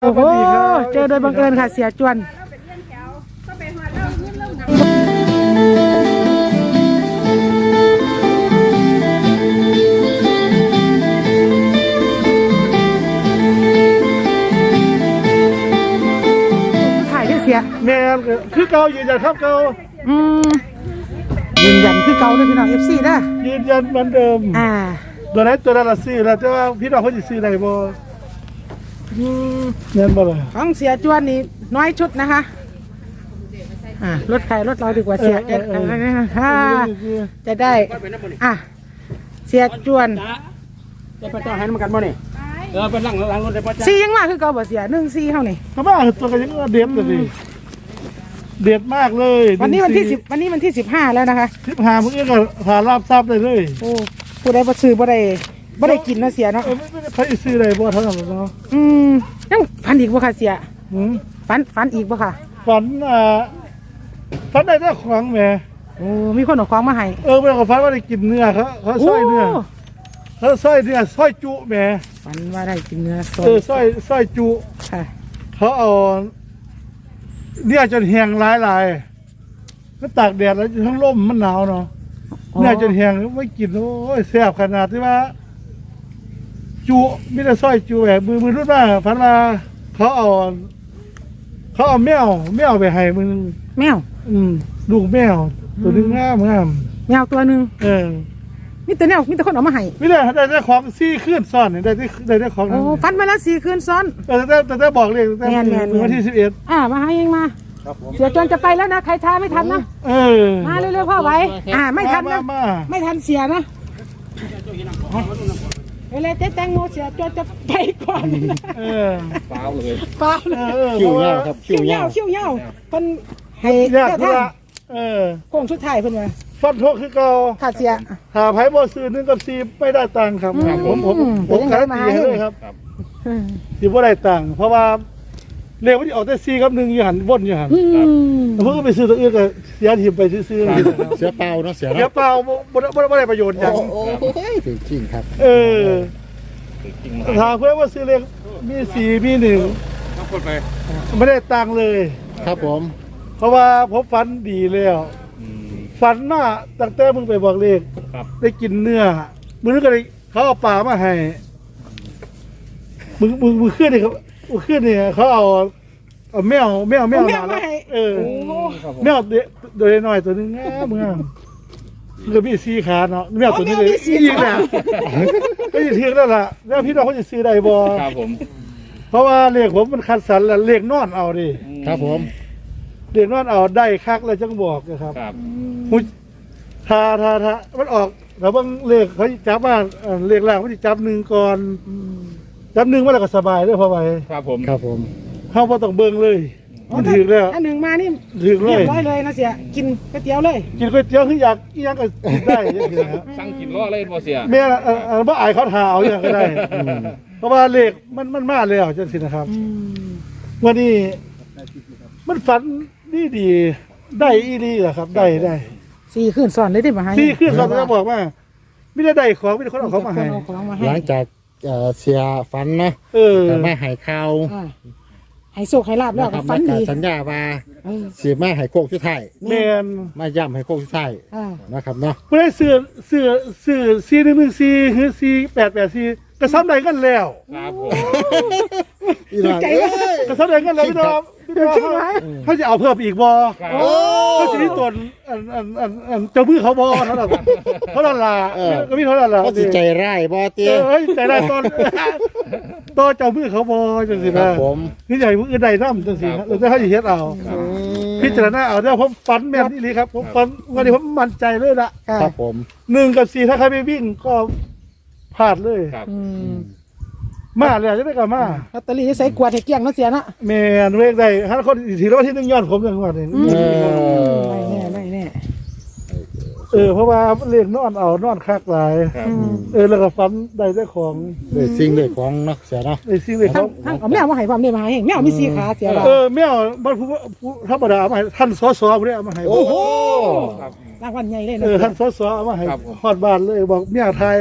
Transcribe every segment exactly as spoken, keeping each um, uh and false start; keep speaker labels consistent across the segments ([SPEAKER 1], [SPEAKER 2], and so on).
[SPEAKER 1] โอ้โหเจอโดยบังเอิญค่ะเสียจวนถ่ายได้เสีย
[SPEAKER 2] แม่คือเก่ายืนยันครับเก่า
[SPEAKER 1] อืมยืนยันคือเก่าเลยพี่น้อง เอฟ ซี นะ
[SPEAKER 2] ยืนยันเหมือนเดิม
[SPEAKER 1] อ่า
[SPEAKER 2] ตัวนั้นตัวนั้นละซื้อแล้วแต่ว่าพี่น้องเขาจะซื้อได้บ่
[SPEAKER 1] อืม
[SPEAKER 2] เงินบ่เลย
[SPEAKER 1] ของเสียจวนนี่น้อยชุดนะคะอ่ารถใครรถเราดีกว่าเสียจะจะได้อ่ะเสียจวน
[SPEAKER 3] จะไปต่อให้มันกันบ่นี่เออไปหลังหลังรถได้ป่ะ
[SPEAKER 1] ซียังมากคือเก่าบ่เสียหนึ่งซีเท่านี่
[SPEAKER 2] เขาว่าตัวกันยังเด็ดเลยเด็ดมากเลย
[SPEAKER 1] วันนี้วันที่สิบวันนี้วันที่สิบห้าแล้วนะคะ
[SPEAKER 2] สิบห้าเมื่อกี้ก็หาราบทราบเลยเลย
[SPEAKER 1] โอ้ผู้ใดบ่ซื้อบ่ได้บ่ได้กินเนาะเสียเนาะ
[SPEAKER 2] ไม่ได้ใครซื้อได้บ่เท่านั้นเนาะ
[SPEAKER 1] อืมยังฝันอีกบ่ค่ะเสียฝันฝันอีกบ่ค่ะ
[SPEAKER 2] ฝันอ่าฝันได้แต่ของแหม
[SPEAKER 1] โอ้มีคนเอาของมาให้
[SPEAKER 2] เออเมื่อเขาฝันว่าได้กินเนื้อเขาเขาซอยเนื้อเขาซอยเนื้อซอยจุแหม
[SPEAKER 1] ฝันว่าได้กินเนื้อ
[SPEAKER 2] เออซอยซอยจุ
[SPEAKER 1] ค่ะ
[SPEAKER 2] เขาเอาเนี่ยจนแห้งหลายหลายก็ตากแดดแล้วทั้งร่มมันหนาวเนาะเนี่ยจนแห้งไม่กินโอ้ยแซ่บขนาดที่ว่าจุไม่ได้ซอยจุแบบมือมือรุ่นมากพันมาเขาเอาเขาเอาแมวแมวไปให้มึง
[SPEAKER 1] แมว
[SPEAKER 2] อืมลูกแมวตัวนึงงามงาม
[SPEAKER 1] แมวตัวหนึ่ง
[SPEAKER 2] เออ
[SPEAKER 1] มีแต่แมวมีแต่คนเอามาให้
[SPEAKER 2] ไม่ได้ได้ได้ของซี่ขึ้นซ้อนได้ได้ได้ได้ของ
[SPEAKER 1] โอ้ฟันมาแล้วสี่คืนซ้อน
[SPEAKER 2] แต่แต่แต่แต่บอกเลยแต่วันที่สิบเอ็ด
[SPEAKER 1] อ่ามาให้เองมาเสียจนจะไปแล้วนะใครช้าไม่ทันนะ
[SPEAKER 2] เออ
[SPEAKER 1] มาเร็วๆพ่อไว้อ่าไม่ทันนะไม่ทันเสียนะเวลาเจ๊แตงโมเสียจนจะไปก่อน
[SPEAKER 2] เออ
[SPEAKER 3] เปล่าเลย
[SPEAKER 1] เปล่าเลย
[SPEAKER 3] คิวเงาครับ
[SPEAKER 1] คิวเงาคิวเงาคนให้
[SPEAKER 2] เจ้าท่านเออ
[SPEAKER 1] โค้งสุดท้ายเพิ่นว่า
[SPEAKER 2] ฟันโทคือเก่า
[SPEAKER 1] ขาดเสีย
[SPEAKER 2] หาไผ่บ่ซื้อหนึ่งกับซีไม่ได้ตังค์ครับผมผมผมขายตีเลยครับที่บ่ได้ตังค์เพราะว่าเรียกว่าที่ออกแต่ซีกับหนึ่งอยู่หันวนอยู่หันเพิ่งไปซื้อตัวอื่นก็เสียทีมไปซื้อเ
[SPEAKER 3] สียเปล่าเนาะเสีย
[SPEAKER 2] เสียเปล่าบ่ได้บ่ได้ประโยชน์อย่าง
[SPEAKER 3] โอ้โหจริงครับ
[SPEAKER 2] เออถามเพื่อนว่าซื้อเลขมีสี่มีหนึ่งไม่ได้ตังค์เลย
[SPEAKER 3] ครับผม
[SPEAKER 2] เพราะว่าผมฝันดีแล้วฝันว่าตั้งแต่มึงไปบอกเลขได้กินเนื้อมึงนึกอะไรเขาเอาปลามาให้มึงมึงมึงขึ้นนี่เขาขึ้นนี่เขาเอาเอาแมวแมวแมวมาแล้วเออแมวโดยน้อยตัวนึงง่ายมึงอ่ะมันก็มีสีขาเนาะแมวตัวนี้เลยอีกแล้วก็ยิ่งเทียงแล้วล่ะแล้วพี่น้องเขาจะซื้อได้บ่
[SPEAKER 3] ครับผม
[SPEAKER 2] เพราะว่าเลขผมมันคัดสรรแล้วเลขนอนเอาดิ
[SPEAKER 3] ครับผม
[SPEAKER 2] เลขนอนเอาได้คักแล้วจังบอกนะครับถ้าถ้าถ้ามันออกแล้วบางเลขเขาจับว่าเลขล่างเขาจะจับหนึ่งก่อนจับหนึ่งมาแล้วก็สบายเลยพอไป
[SPEAKER 3] ครับผมครับผม
[SPEAKER 2] เขาพอต้องเบิ่งเลยมันถึงแล้ว
[SPEAKER 1] อันหนึ่งมานี่
[SPEAKER 2] ถึงเลย
[SPEAKER 1] เรียบร้อยเลยนะเสียกินก๋วยเตี๋ยวเลย
[SPEAKER 2] กินก๋วยเตี๋ยวคืออยากยังก็ได้
[SPEAKER 3] สั่งกินล้อเลยบ่เสีย
[SPEAKER 2] แม่เออบ่อายเขาถาเอาอย่างก็ได้เพราะว่าเลขมันมันมาแล้วจังสินะครับวันนี้มันฝันดีดีได้อีดีแหละครับได้ได้
[SPEAKER 1] สี่ขึ้นสอนเลยได้ไหม
[SPEAKER 2] สี่ขึ้นสอนจะบอกว่าไม่ได้ได้ของไม่ได้คนเอาของมาให้
[SPEAKER 3] หลังจากเสียฝันนะ
[SPEAKER 2] เออ
[SPEAKER 3] ไม่หายข่าว
[SPEAKER 1] ให้โชคให้ลาบแล้วฝันดี
[SPEAKER 3] สัญญาว่าเสียมาให้โคกชุดไทย
[SPEAKER 2] แม่น
[SPEAKER 3] มาย่ำให้โคกชุดไทยนะครับเนาะ
[SPEAKER 2] ไม่ได้เสือเสือเสือซีหนึ่งหนึ่งซีหรือซีแปดแปดซีกระซ้ำใดกันแล้ว
[SPEAKER 3] ครับผม
[SPEAKER 1] ใจ
[SPEAKER 2] กระซ้ำใดกันแล้วพี่น้องพี่น้องเขาจะเอาเพิ่มอีกบ่เขาจะมีตนอันอันอันอันเจ้ามือเขาบ่เขาละเขาละลาก็มีเขาละลา
[SPEAKER 3] เขาใจร้ายบ่เตี้ย
[SPEAKER 2] ใจร้ายตอนตอนเจ้ามือเขาบ่จังสินะนี่ใหญ่มืออื่นใดน้ำจังสินะเราจะให้เฮ็ดเอาพิจารณาเอาได้ผมฝันแม่นนี่เลยครับผมฝันวันนี้ผมมั่นใจเลยละ
[SPEAKER 3] ครับผม
[SPEAKER 2] หนึ่งกับสี่ถ้าใครไม่วิ่งก็พลาดเลยมาเลยจะได้กับมา
[SPEAKER 1] ลอตเตอรี่ใส่กวาดให้เกี้ยงนะเสียนะ
[SPEAKER 2] แม่นเวกได้ถ้าคนถือว่าที่หนึ่งย้อนผมอย่างว่าเนี่ย
[SPEAKER 1] ไม่แน่ไม่แน่
[SPEAKER 2] เออเพราะว่าเลี้ยงนอนเอานอนคักหลายเออแล้วก็ฟันได้ได้ของ
[SPEAKER 3] ได้สิ่งได้ของเนาะเสียเนาะ
[SPEAKER 2] ได้สิ่งได้ของ
[SPEAKER 1] เอาแมวมาให้ความได้มาให้แมวมีสีขาเสีย
[SPEAKER 2] เออแมวบ้านผู้ธรรมดามาให้ท่านสอสอผู้นี้เอามาให้
[SPEAKER 3] โอ้โห
[SPEAKER 1] รางวัลใหญ่เลย
[SPEAKER 2] เออท่านสอสอเอามาให้ฮอดบ้านเลยบอกเมียไทย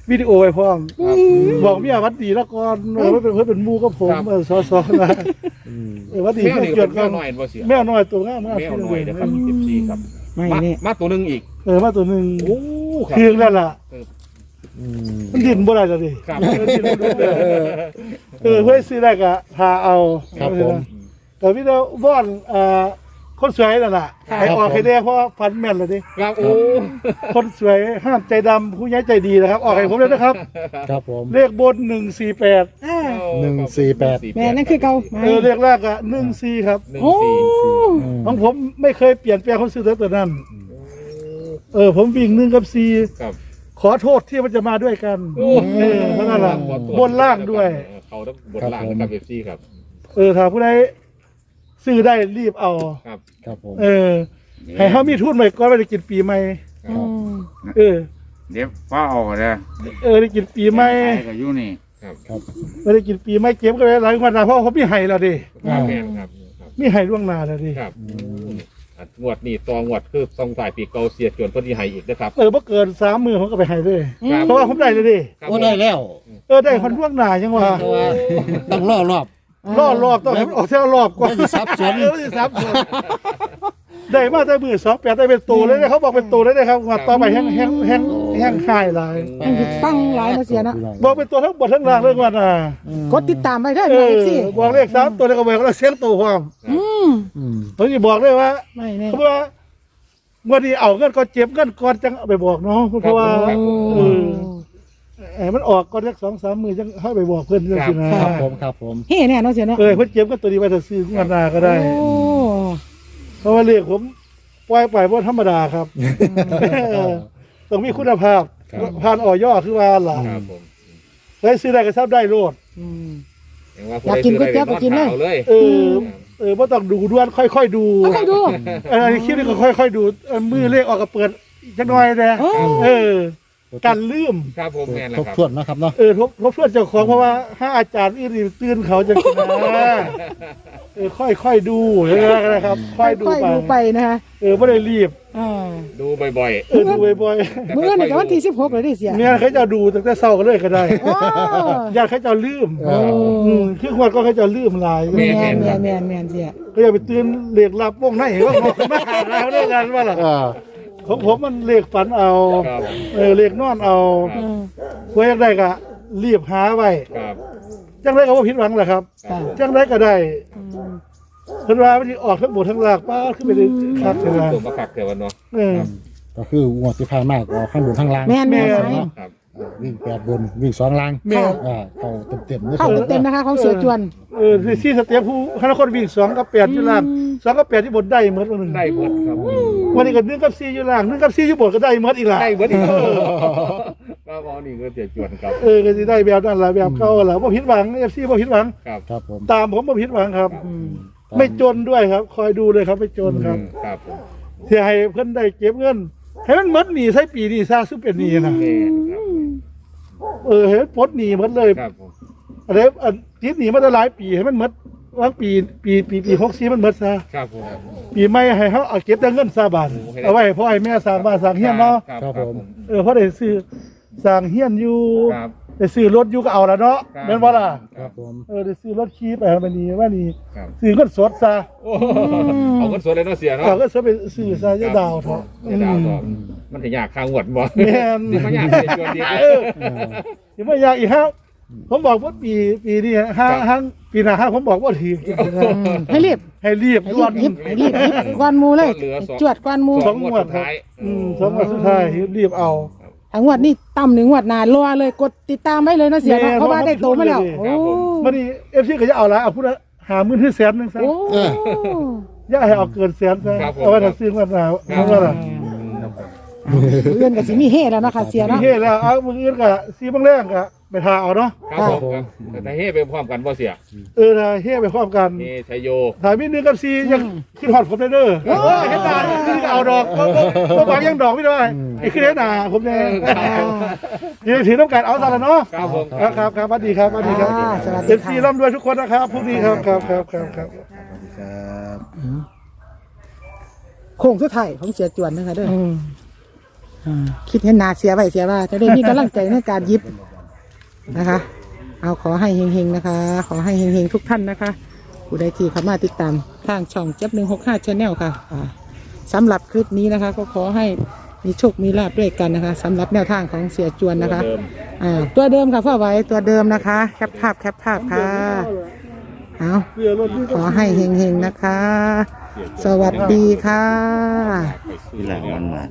[SPEAKER 2] วิดีโอไว้พร้อมบอกเมียวัดดีแล้วก่อนเออเพื่อนเป็นเป็นหมู่กับผมเออซอๆนะเออวัดดี
[SPEAKER 3] แมว
[SPEAKER 2] เพื่อน
[SPEAKER 3] นี่
[SPEAKER 2] เกิ
[SPEAKER 3] เป็
[SPEAKER 2] ด
[SPEAKER 3] นแม
[SPEAKER 2] กั
[SPEAKER 3] วน น้อยบ่เสีย
[SPEAKER 2] แมวน้อยตัวงามมาก
[SPEAKER 3] แมวน้อยนะครับสิบสี่ครับ
[SPEAKER 1] ไม่
[SPEAKER 3] มา
[SPEAKER 1] เนี่ย
[SPEAKER 3] มาตัวหนึงอีก
[SPEAKER 2] เออมาตัวหนึ่ง
[SPEAKER 3] โอ้ครั
[SPEAKER 2] เคืองแล้วล่ะ
[SPEAKER 4] อืม
[SPEAKER 2] มันดิ้นบ่ได้แล้วดิ
[SPEAKER 3] ครับ
[SPEAKER 2] มันดิ้นบ่ได้เออเพื่อซื้อได้ก็พาเอา
[SPEAKER 4] ครับผม
[SPEAKER 2] แต่พี่เราบ้อนเอ่อคนสวยนั่นแหละให้ออกให้ได้เพราะฟันแม่นเลยดิ
[SPEAKER 3] ครับโอ้
[SPEAKER 2] คนสวยห้ามใจดำผู้ย้ายใจดีนะครับ ออกให้ผมเลยนะครับ
[SPEAKER 4] ครับผม
[SPEAKER 2] เลขบนหนึ่งสี่แปด
[SPEAKER 1] อ่า
[SPEAKER 4] หนึ่งสี่แปด
[SPEAKER 1] แม่นั่นคือเก่า
[SPEAKER 2] เออเลขแรกอะหนึ่งสี่ครับ
[SPEAKER 3] หนึ่ง
[SPEAKER 1] โอ้
[SPEAKER 3] สี่
[SPEAKER 2] ของผมไม่เคยเปลี่ยนแปลงคนซื้อตัวนั้น เออผมวิ่งหนึ่งกับสี่
[SPEAKER 3] ครับ
[SPEAKER 2] ขอโทษที่มันจะมาด้วยกัน
[SPEAKER 3] โอ้
[SPEAKER 2] เออเพราะนั่นแหละบนล่างด้วย
[SPEAKER 3] เขาต้องบนล่างนะครับเอฟซีครับ
[SPEAKER 2] เออถ้าผู้ใดซื้อได้รีบเอา
[SPEAKER 3] ครับ
[SPEAKER 4] ครับผม
[SPEAKER 2] เออให้เขามีทุนไว้ก่อนไม่ได้กินปีใหม่
[SPEAKER 1] อืม
[SPEAKER 2] เออ
[SPEAKER 5] เดี๋ยวฟ้าออกเลย
[SPEAKER 2] เออได้กินปีใหม่
[SPEAKER 5] ไอ้ก็อยู่นี่
[SPEAKER 3] ครับ
[SPEAKER 4] ครับ
[SPEAKER 2] ไม่ได้กินปีใหม่เก็บก็ได้หลายวันนะเพราะเขามีไห้แล้วดิ
[SPEAKER 3] ครับแมนครับครับ
[SPEAKER 2] มีไห้ล่วงหน้าแล้วดิ
[SPEAKER 3] ครับอ่ะงวดนี่ตองวดคือทรงสายปีเกาเสียจวนเพื่อที่ให้อีกนะครับ
[SPEAKER 2] เออเมื่อเกินสามมือผมก็ไปไห้เลย
[SPEAKER 3] ครับ
[SPEAKER 2] เพราะว่าผมได้เลยดิ
[SPEAKER 3] ครับ
[SPEAKER 4] โอ้ได้แล้ว
[SPEAKER 2] เออได้คนล่วงหน้ายังว่า
[SPEAKER 4] แต่ว่าต้องรอรอบ
[SPEAKER 2] รอบรอบต้องให้มันออกเท่ารอบก่อน
[SPEAKER 4] ไม่ได้สับสน
[SPEAKER 2] เออไม่ได้สับสนได้มาได้มือสองแปดได้เป็นตัวเลยนะเขาบอกเป็นตัวเลยนะครับว่าต่อไปแห้งแห้งแห้งแห้งค่ายหลาย
[SPEAKER 1] มันคือปังหลายมาเสียเนาะ
[SPEAKER 2] บอกเป็นตัวทั้งบนทั้งล่างเรื่องวันอ่ะ
[SPEAKER 1] กดติดตามไปได้
[SPEAKER 2] เอ
[SPEAKER 1] ไหม
[SPEAKER 2] อ
[SPEAKER 1] สิ
[SPEAKER 2] บอกเลขสามตัวแล้วก็บอกแล้วเสียงตัวความ
[SPEAKER 1] อืม
[SPEAKER 4] อืม
[SPEAKER 2] ผมจะบอกเลยว่า
[SPEAKER 1] ไม่แน่
[SPEAKER 2] เพราะว่าเมื่อนี้เอาเงินก่อนเจ็บเงินก่อนจังเอาไปบอกน้องเพราะว่า
[SPEAKER 3] ครับ
[SPEAKER 2] เออไอ้มันออกก่อนสักสองสามมือจังให้ไปบอกเพื่อนเรื่องสินะครับ
[SPEAKER 4] ผมครับผม
[SPEAKER 1] เฮ้แน่เนาะเสียเนาะ
[SPEAKER 2] เออเพื่อนเจ็บก็ตัวนี้ไว้ถ้าซื้อเงินหนาก็ได้
[SPEAKER 1] โอ้
[SPEAKER 2] เพราะว่าเลขผมปล่อยไปเพราะธรรมดาครับเออต้องมีคุณภาพผ่านอ่อย่อคือว่าหล่ะ
[SPEAKER 3] ครับผม
[SPEAKER 2] ได้ซื้อได้ก็ทราบได้โลด
[SPEAKER 1] อืม
[SPEAKER 3] เห็นว่า
[SPEAKER 1] อยากกินก๋วยเตี๋ยวก็กินเลย
[SPEAKER 3] อาเลย
[SPEAKER 2] เออ เออว่าต้องดูด้วนค่อยๆดู
[SPEAKER 1] เอาใครดู
[SPEAKER 2] เอออันนี้คลิปนี้ก็ค่อยๆดูเออมือเลขออกก็เปิดจักหน่อยนะ
[SPEAKER 1] โอ้
[SPEAKER 2] เออกันลืม
[SPEAKER 3] ครับผมแมนแหละ
[SPEAKER 4] ทบ
[SPEAKER 3] ครับ
[SPEAKER 4] ทวนนะครับเนาะ
[SPEAKER 2] เออทบทบทวนเจ้าของเพราะว่าถ้าอาจารย์อื่นๆตื่นเขาจะนะเออค่อยๆดูนะครับ ค่อยดู
[SPEAKER 1] ค่อย
[SPEAKER 2] ไป
[SPEAKER 1] ๆดูไปนะฮะ
[SPEAKER 2] เออไม่ได้รีบ
[SPEAKER 1] อ่า
[SPEAKER 3] ดูบ่อย
[SPEAKER 2] เออดูบ่อย
[SPEAKER 1] เมื่อนี่ก็วันที่สิบหกเลยดิเสีย
[SPEAKER 2] ๆเนี่ยเขาจะดูตั้งแต่เช้าก็เลยก็ได้
[SPEAKER 1] โอ้
[SPEAKER 2] ญาติเขาจะลืม
[SPEAKER 4] เออ
[SPEAKER 2] อืมคือคนก็เขาจะลืมหลาย
[SPEAKER 1] แมนแมนแมนแมนเสีย
[SPEAKER 2] ก็อย่าไปตื่นเลขลับวงไหนว่าบอกมาแล้วเรื่องงานว่าล่ะ
[SPEAKER 4] เออ
[SPEAKER 2] ของผมมันเลขฝันเอา
[SPEAKER 3] ๆครับ
[SPEAKER 2] เออเลขนอนเอา
[SPEAKER 1] อืม
[SPEAKER 2] เพื่ออยากได้ก็รีบหาไว้
[SPEAKER 3] ครับ
[SPEAKER 2] จังไรก็ว่าผิดหวังแหละครับ
[SPEAKER 1] ค่ะ
[SPEAKER 2] จังไรก็ได้
[SPEAKER 1] อืม
[SPEAKER 2] เพิ่นว่ามันสิออกทั้งบททั้งหลากป้าขึ้นไปเลยครับเพิ่นว่า
[SPEAKER 3] ตัวมาขักเทวันเนาะ
[SPEAKER 2] เออ
[SPEAKER 4] ก็คืองวดที่ผ่านมากเอาข้างบนข้างล่าง
[SPEAKER 1] แมนแมน
[SPEAKER 2] แม่น
[SPEAKER 1] ไหม
[SPEAKER 3] ครับ
[SPEAKER 4] อ่าวิ่งแปดบนวิ่งสองล่าง
[SPEAKER 2] แม่
[SPEAKER 4] อ่าเข้าเต็มๆนะค
[SPEAKER 1] เข้า
[SPEAKER 4] รับ
[SPEAKER 1] เต็มๆนะคะของเสือจวน
[SPEAKER 2] เออที่ที่สเตียผู้คณะคนวิ่งสองกับแปดอยู่ล่าง
[SPEAKER 1] อืม
[SPEAKER 2] สองกับแปดที่บนได้เหมือนวันหนึ่ง
[SPEAKER 3] ได้เบิดครับ
[SPEAKER 2] วันนี้ก็หนึ่งกับสี่อยู่ล่างหนึ่งกับสี่อยู่บนก็ได้เหมือนอีกล่ะ
[SPEAKER 3] ได้เบิดอีกก็พอนี่ก็เสียจวนครับ
[SPEAKER 2] เออก็สิได้แบบนั้นล่ะแบบเก่าล่ะบ่ผิดหวัง เอฟ ซี บ่ผิดหวัง
[SPEAKER 3] ครับ
[SPEAKER 4] ครับผม
[SPEAKER 2] ตามผมบ่ผิดหวังครับ
[SPEAKER 1] อืม
[SPEAKER 2] ไม่จนด้วยครับ คอยดูเลยครับไม่จนครับ
[SPEAKER 3] ครับผม
[SPEAKER 2] ที่ให้เพิ่นได้เก็บเงินให้มันหมดหนี้ใช้ปีนี้ซะซึ่งเป็นหนี้นะ
[SPEAKER 3] แม่นครับ
[SPEAKER 2] เออให้มันปลดหนี้หมดเลย
[SPEAKER 3] ครับผม
[SPEAKER 2] อะไรอันติดหนีมาได้หลายปีให้มันหมดวางปีปีปีปีหกสี่มันหมดซะ
[SPEAKER 3] ครับผม
[SPEAKER 2] ปีใหม่ให้เขาเอาเก็บแต่เงินซาบานเอาไว้พ่อให้แม่สร้างบ้านสร้างเฮียนเนาะ
[SPEAKER 3] ครับผม
[SPEAKER 2] เออเพราะได้ซื้อสร้างเฮียนอยู่
[SPEAKER 3] ครับ
[SPEAKER 2] ได้ซื้อรถอยู่ก็เอาละเนาะ
[SPEAKER 3] ครับ
[SPEAKER 2] แม่นบ่ล่ะ
[SPEAKER 4] ครับผม
[SPEAKER 2] เออได้ซื้อรถขี่ไปให้มันนี่ว่านี่
[SPEAKER 3] ครับ
[SPEAKER 2] ซื้อเงินสดซะ
[SPEAKER 3] โอ้เอาเงินสดเลยเนาะเสียเนาะ
[SPEAKER 2] เอาเงินสดไปซื้อซะอย่าดาวเถอะ
[SPEAKER 3] อย่าดาวต่อมันถึงอยากค้างหวดบ่
[SPEAKER 2] แม่น
[SPEAKER 3] นี่มันอยากเสียจวนดี
[SPEAKER 2] เออสิบ่อยากอีกฮะผมบอกว่าปีปีนี้ห้าห้างปีหน้าห้าผมบอกว่าถือ
[SPEAKER 1] ให้รีบ
[SPEAKER 2] ให้รีบ
[SPEAKER 1] ให้
[SPEAKER 2] ด่
[SPEAKER 1] รี
[SPEAKER 2] ว
[SPEAKER 1] บ
[SPEAKER 2] น
[SPEAKER 1] รีบให้รีบรีบกวนหมูเลย
[SPEAKER 3] เหลือสอง
[SPEAKER 1] จวดกวนหมู
[SPEAKER 2] สองงวด
[SPEAKER 3] สุดท้าย
[SPEAKER 2] อืมสองวันสุดท้ายรีบเอา
[SPEAKER 1] ทั้งงวดนี่ต่ำหนึ่งงวดหนารอเลยกดติดตามไว้เลยนะเสียเนาะเพราะว่าได้โตมาแล้วโอ้
[SPEAKER 2] มันนี่เอฟซีก็จะเอาละเอาพูดละหาหมื่นที่แสนหนึงซะ
[SPEAKER 1] โอ้
[SPEAKER 2] อย่าให้เอาเกินแสนซะเอาไว้ถ้าซื้อมันหนาวเอาว่าล่ะ
[SPEAKER 1] เพื่อนกับสิมีเฮแล้วเนาะค่ะเสีย
[SPEAKER 2] มี
[SPEAKER 1] เนาะ
[SPEAKER 2] เฮ็ดแล้วเอามืออื่นก็ซีบางแรงก็ไปทาเอาเนาะ
[SPEAKER 3] ครับผมครับแต่เฮ้ไปพร้อมกันบ่เสีย
[SPEAKER 2] เออถ้าเฮ็ดไปพร้อมกัน
[SPEAKER 3] นี่ชัยโย
[SPEAKER 2] ถ้ามีหนึ่งกับซียังคิดฮอดผมได้เด้อเออเฮ็ดได้นี่ก็เอาดอกบ่บ่บ่บางยังดอกไม่ได้ไอ้คือเฮ็ดหน้าผมแน่ยินดีถือต้องการเอาซะแล้วเนาะ
[SPEAKER 3] ครับผม
[SPEAKER 2] ครับครับครับสวัสดีครับสวัสดีครับ
[SPEAKER 1] อ่าสวัส
[SPEAKER 2] เอ
[SPEAKER 1] ดี
[SPEAKER 2] ฟซี
[SPEAKER 1] ค่ะ
[SPEAKER 2] ร่ำรวยทุกคนนะครับพรุ่งนี้ครับครับครับครับครับ
[SPEAKER 1] โค้งสุดท้ายของเสียจวนนะคะเด้อ
[SPEAKER 2] อืม
[SPEAKER 1] อ่าคิดเห็นหนาเสียไว้เสียว่าจะได้มีกำลังใจในการหยิบนะคะ เอาขอให้เฮงๆนะคะ ขอให้เฮงๆทุกท่านนะคะผู้ใดที่เข้ามาติดตามทางช่องเจ็บหนึ่งหกห้าชาแนลค่ะอ่าสำหรับคลิปนี้นะคะ ก็ขอให้มีโชคมีลาภด้วยกันนะคะสำหรับแนวทางของเสียจวนนะคะ
[SPEAKER 3] เดิม
[SPEAKER 1] อ่าตัวเดิมค่ะพ่อไว้ตัวเดิมนะคะแคปภาพแคปภาพค่ะเอา
[SPEAKER 2] เสื้อรถนี่
[SPEAKER 1] ขอให้เฮงๆนะคะ สวัสดีค่ะ
[SPEAKER 3] นี่แหละมันมา